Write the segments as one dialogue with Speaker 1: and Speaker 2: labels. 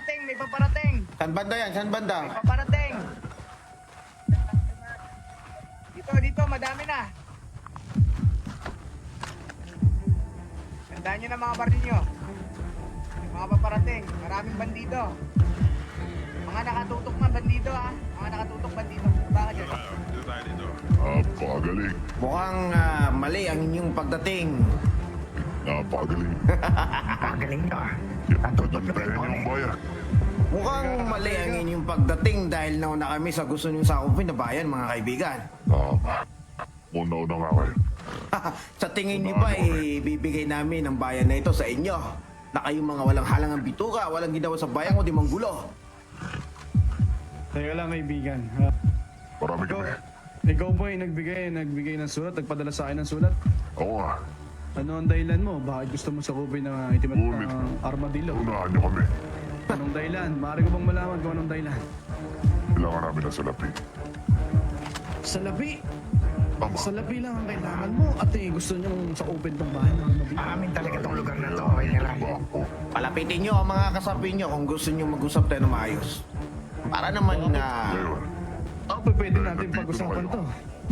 Speaker 1: paparating, may paparating.
Speaker 2: Saan banda yan? Saan banda?
Speaker 1: May paparating. Dito, madami na. Tandaan nyo na mga baril nyo. Mga paparating, maraming bandido. Mga nakatutok na bandido ha. Mga nakatutok bandido. Baka dyan.
Speaker 3: Dito tayo dito.
Speaker 4: Napakagaling.
Speaker 2: Mukhang mali ang inyong pagdating.
Speaker 4: Napakagaling.
Speaker 5: Pagaling nyo ah.
Speaker 4: Pagdalitain yung bayan.
Speaker 2: Mukhang mali ang inyong pagdating dahil nauna kami sa gusto niyong sakupin na bayan, mga kaibigan.
Speaker 4: Tama. Una-una nga kayo.
Speaker 2: Sa tingin niyo ba, bibigay namin ang bayan na ito sa inyo? Na kayong mga walang halangang bituka, walang ginawa sa bayan kundi manggulo.
Speaker 6: Teka lang kaibigan.
Speaker 4: Marami kami.
Speaker 6: Ikaw ba ay nagbigay ng sulat, nagpadala sa akin ng sulat?
Speaker 4: Oo nga.
Speaker 6: Ano ang dahilan mo? Bakit gusto mo sakupin ng itim
Speaker 4: Ulit.
Speaker 6: at armadillo?
Speaker 4: Unahan niyo kami.
Speaker 6: Anong dahilan? Maaari ko bang malaman kung anong dahilan?
Speaker 4: Kailangan namin ng salapi.
Speaker 6: Salapi!
Speaker 4: Tama.
Speaker 6: Salapi lang ang kailangan mo at gusto niyo sakupin tong bahay ng armadillo.
Speaker 5: Amin talaga tong lugar na to, General.
Speaker 2: Palapitin niyo ang mga kasapi niyo kung gusto niyo mag-usap tayo ng maayos. Para naman na...
Speaker 4: Ngayon,
Speaker 6: Pwede natin pag-usapan to.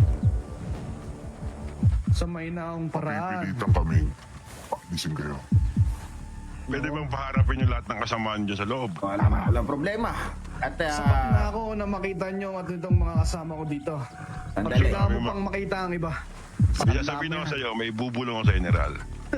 Speaker 6: Sa may naong paraan.
Speaker 4: pipilitan kami. Paalisin kayo.
Speaker 3: Pwede bang paharapin yung lahat ng kasamaan dyan sa loob?
Speaker 2: Walang problema. At
Speaker 6: Sapat na ako na makita nyo at itong mga kasama ko dito. At
Speaker 2: Sandali.
Speaker 6: kailangan mo pang makita ang iba.
Speaker 3: Kaya sabihin ako sa'yo, may bubulong ako sa general.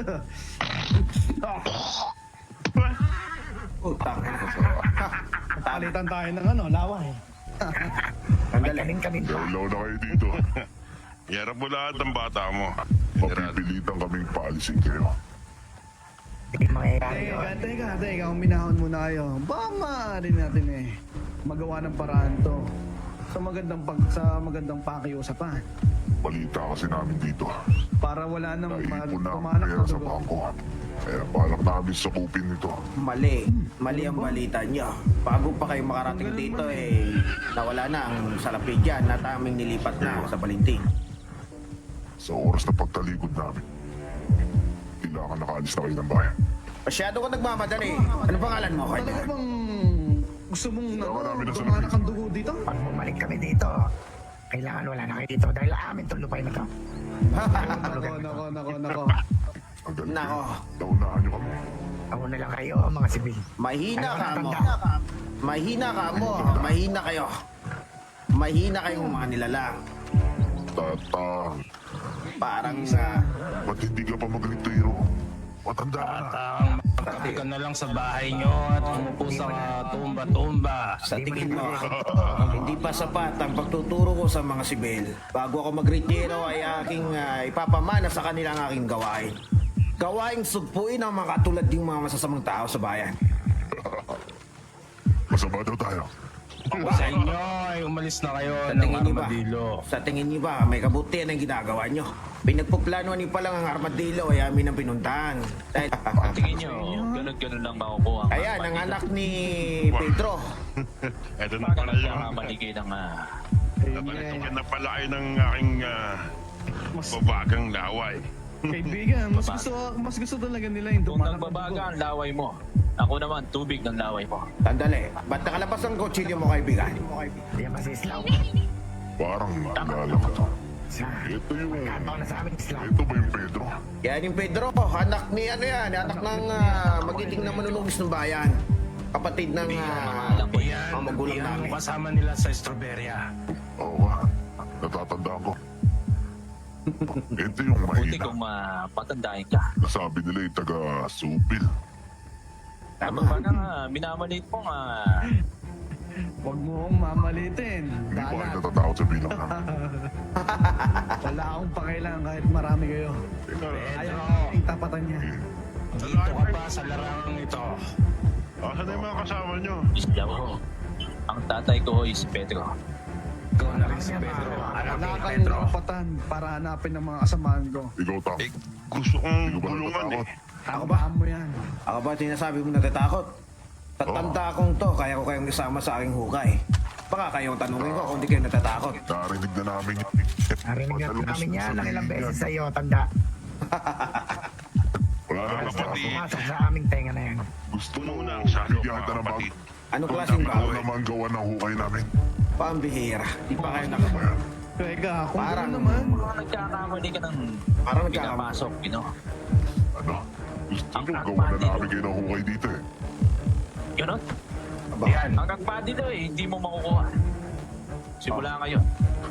Speaker 2: Utang.
Speaker 6: Palitan tayo ng laway.
Speaker 2: Sandali.
Speaker 5: Kami.
Speaker 4: Law na kayo dito.
Speaker 3: Iharap mo lahat ng bata mo, general.
Speaker 4: Mapipilitan kaming paalisin kayo.
Speaker 5: Hindi mangyayari yun.
Speaker 6: Teka, uminahon muna kayo. Baka maaari natin magawa ng paraan to. Sa magandang pakiusapan.
Speaker 4: Balita kasi namin dito.
Speaker 6: Para wala nang
Speaker 4: Naipon na ang
Speaker 6: pumanak
Speaker 4: pera
Speaker 6: na
Speaker 4: sa
Speaker 6: dugo.
Speaker 4: bangko. Kaya balak namin sakupin ito.
Speaker 2: Mali ang balita niyo. Bago pa kayo makarating dito nawala na ang salapi dyan at aming nilipat na sa Balinting.
Speaker 4: Sa oras na pagtalikod namin, kailangan nakaalis na kayo ng bayan.
Speaker 2: Masyado ka nagmamadali. Ano pangalan mo,
Speaker 6: Talaga
Speaker 2: kaibigan?
Speaker 6: bang gusto mong
Speaker 4: Kailangan namin ng
Speaker 6: dumanak ang dugo dito?
Speaker 5: Pag bumalik kami dito, kailangan wala na kayo dito dahil amin tong lupay na to.
Speaker 6: Nako.
Speaker 4: Ang galing.
Speaker 2: Nako.
Speaker 4: Naunahan niyo kami.
Speaker 5: Ako na lang kayo, mga sibil.
Speaker 2: Mahina
Speaker 5: Ano
Speaker 2: ka
Speaker 5: ang
Speaker 2: mo.
Speaker 5: tanda?
Speaker 2: Mahina ka mo. Mahina kayo. Mahina kayong mga nilalang.
Speaker 4: Tatang,
Speaker 2: Parang
Speaker 4: ba't hindi ka pa magretiro? Matanda ka na.
Speaker 7: Makati ka na lang sa bahay nyo at umupo sa tumba-tumba.
Speaker 2: sa tingin mo, hindi pa sapat ang pagtuturo ko sa mga sibil. Bago ako mag-retiro ay aking ipapamana sa kanila ang aking gawain. Gawaing sugpuin ang mga katulad ng mga masasamang tao sa bayan.
Speaker 4: Masama daw tayo.
Speaker 7: Sa inyo ay umalis na kayo
Speaker 2: Sa
Speaker 7: ng
Speaker 2: tingin niyo ba?
Speaker 7: armadillo.
Speaker 2: Sa tingin niyo ba may kabutihan ang ginagawa niyo? Pinagpuplanuhan niyo pa lang ang armadillo ay amin ang pinuntahan. Dahil,
Speaker 8: Tingin nyo, ganun-ganun lang makukuha ang
Speaker 2: ayan, ang anak ni Pedro.
Speaker 3: Eto na
Speaker 8: Paano
Speaker 3: pala
Speaker 8: lang
Speaker 3: yung...
Speaker 8: siya maligay ng
Speaker 3: Napalitikan na pala kayo ng aking babagang laway.
Speaker 6: Kaibigan, mas gusto talaga nila yung
Speaker 8: kung
Speaker 6: dumanak ang
Speaker 8: nagbabaga
Speaker 6: dugo.
Speaker 8: ang laway mo. Ako naman, tubig ng laway mo.
Speaker 2: Tandali, ba't nakalabas ang kutsilyo mo, kaibigan?
Speaker 5: Hindi yan masislaw.
Speaker 4: Parang naalala ko to. Ito yung...
Speaker 5: Kataon na sa amin Islam.
Speaker 4: Ito ba yung Pedro?
Speaker 2: Yan yung Pedro, anak ni anak ng magiting na manunugis ng bayan. Kapatid ng
Speaker 8: Alam ko yan.
Speaker 2: mga magulang
Speaker 7: Yan
Speaker 2: namin.
Speaker 7: ang kasama nila sa Estroberia.
Speaker 4: Oo nga. Natatandaan ko. Ito yung
Speaker 8: Buti
Speaker 4: mahina.
Speaker 8: kung patandahin ka.
Speaker 4: Nasabi nila yung taga-supil.
Speaker 8: Tama ba na nga, minamalit mo nga.
Speaker 6: Huwag mo akong mamalitin.
Speaker 4: Hindi pa kayo
Speaker 6: Dalat.
Speaker 4: natatakot sa bilang namin.
Speaker 6: Wala akong pakailangan kahit marami kayo. Ayaw ang tapatan niya.
Speaker 7: Dito ka pa sa larangang ito.
Speaker 3: Asan na yung mga kasama nyo?
Speaker 8: Isla ko. Ang tatay ko is Pedro.
Speaker 7: Ikaw na rin si Pedro. Anak
Speaker 6: Wala
Speaker 7: ni
Speaker 6: kang
Speaker 7: Pedro.
Speaker 6: karapatan para hanapin ang mga kasamaan ko.
Speaker 4: Ikaw, Tam.
Speaker 3: Gusto kong
Speaker 4: Hindi ko ba
Speaker 3: bulungan
Speaker 4: natatakot?
Speaker 6: Tamaan mo yan.
Speaker 2: Ako ba sinasabi mo natatakot? Sa tanda kong to, kaya ko kayong isama sa aking hukay. Baka kayong tanungin ko kung di kayo natatakot.
Speaker 4: Narinig na namin yun.
Speaker 5: Narinig na
Speaker 4: Madalas
Speaker 5: namin yan
Speaker 4: sabihin.
Speaker 5: ng ilang beses sa iyo, tanda.
Speaker 4: Wala na
Speaker 3: Mga
Speaker 4: kasi
Speaker 3: kapatid.
Speaker 5: Pumasok sa aming tenga na yan.
Speaker 4: Gusto Gusto
Speaker 3: Puno
Speaker 4: mo
Speaker 3: na ang salok,
Speaker 4: bigyan kita
Speaker 3: mga
Speaker 4: ng bag?
Speaker 3: kapatid.
Speaker 2: Anong klaseng
Speaker 4: Ako
Speaker 2: bawi?
Speaker 4: naman gawa ng hukay namin.
Speaker 2: Pambihira. Di pa kayo nakapag...
Speaker 4: Ayan.
Speaker 6: Teka, kung
Speaker 2: Parang-
Speaker 6: gano'n naman.
Speaker 8: Mukhang nagkakamali ka ng
Speaker 2: Parang nagkakamali.
Speaker 8: pinapasok,
Speaker 4: Ano? Gusto
Speaker 8: Ang
Speaker 4: nyo gawa na
Speaker 8: kapatid.
Speaker 4: namin kayo ng hukay dito eh.
Speaker 8: Ganon?
Speaker 2: Aba,
Speaker 7: Yan.
Speaker 8: Hanggang pa dito hindi mo makukuha. Simula ngayon.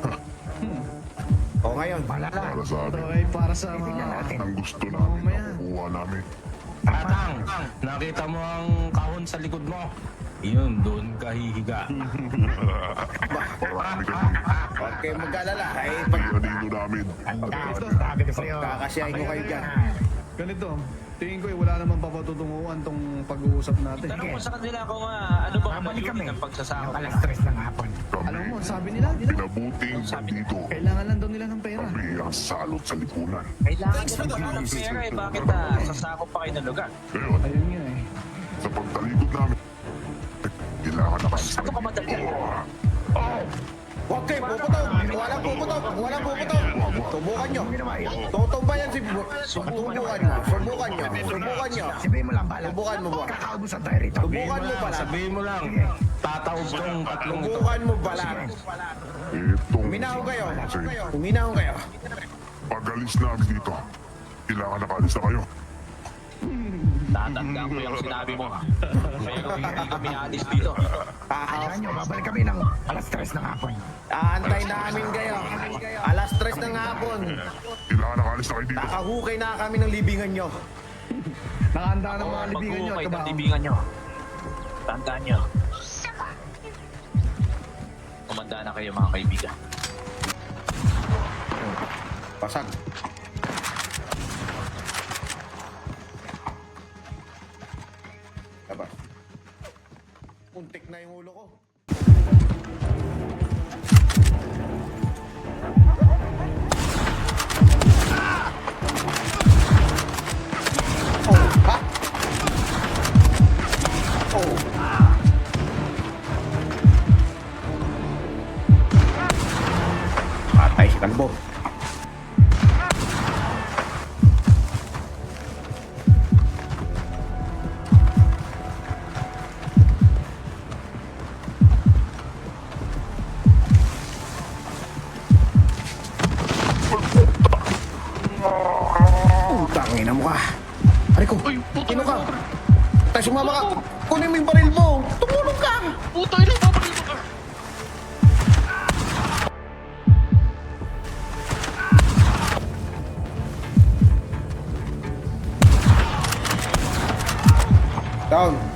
Speaker 2: o ngayon,
Speaker 5: Malala.
Speaker 4: Para sa amin.
Speaker 6: Okay, para sa
Speaker 5: Tingnan
Speaker 6: mga...
Speaker 5: natin.
Speaker 4: Ang gusto namin
Speaker 6: Mamaya.
Speaker 4: nakukuha namin.
Speaker 7: Tatang, nakita mo ang kahon sa likod mo. Yun, doon ka hihiga.
Speaker 4: Marami kami.
Speaker 2: huwag kayong mag-alala. Eh, pag
Speaker 4: Pianino namin.
Speaker 5: Ang dami sabi ko sa'yo.
Speaker 2: kakasyahin ko kayo dyan.
Speaker 6: Ganito, tingin ko wala namang papatutunguhan tong pag-uusap natin.
Speaker 8: Tanong mo sa kanila kung ano ba ang
Speaker 5: Babalik kami.
Speaker 8: mayunin ng pagsasako.
Speaker 5: Ng alas 3 ng hapon.
Speaker 6: Alam
Speaker 4: Kami,
Speaker 6: mo, sabi nila,
Speaker 4: pinabuting bandito.
Speaker 6: kailangan lang daw nila ng pera.
Speaker 4: Kami ang salot sa lipunan.
Speaker 8: Kailangan nila ng pera bakit sasako pa kayo ng lugar?
Speaker 4: Ngayon,
Speaker 6: Ayun nga eh.
Speaker 4: sa pagtalikod namin, kailangan nakalis
Speaker 8: Ano ka madali?
Speaker 2: Huwag kayo puputok. Walang puputok. Walang puputok. Subukan nyo. Tutumbayan si... Subukan nyo. Subukan nyo. Subukan nyo.
Speaker 5: Sabihin mo lang, bahala.
Speaker 2: Subukan mo ba?
Speaker 5: Kakaubusan tayo rito.
Speaker 2: Subukan mo ba?
Speaker 7: Sabihin mo lang, tataob tong tatlong ito.
Speaker 2: Subukan mo ba lang?
Speaker 4: Itong
Speaker 2: Uminaw kayo.
Speaker 4: kasi
Speaker 2: Uminaw kayo.
Speaker 4: pag-alis namin dito, kailangan nakalis na kayo.
Speaker 8: Tatandaan ko yung sinabi mo. Pero hindi kami alis dito.
Speaker 5: Kailangan nyo, babalik kami ng alas 3 ng hapon.
Speaker 2: Aantay namin kayo. Alas 3 ng hapon.
Speaker 4: Kailangan nakalis na kayo dito.
Speaker 2: Nakahukay na kami ng libingan nyo.
Speaker 6: Nakahanda ng mga libingan nyo at
Speaker 8: Mag-uukay ng
Speaker 6: trabaho.
Speaker 8: libingan nyo. Tandaan nyo. Kumanda na kayo mga kaibigan.
Speaker 2: Pasag. Labas. Untik na yung ulo ko. Oh, ha? Oh. Patay si Kalbo. Utangin na mo ka. Aray ko, sino ka? Tayo sumama ka. Kunin mo yung baril mo. Tumulong ka. Down.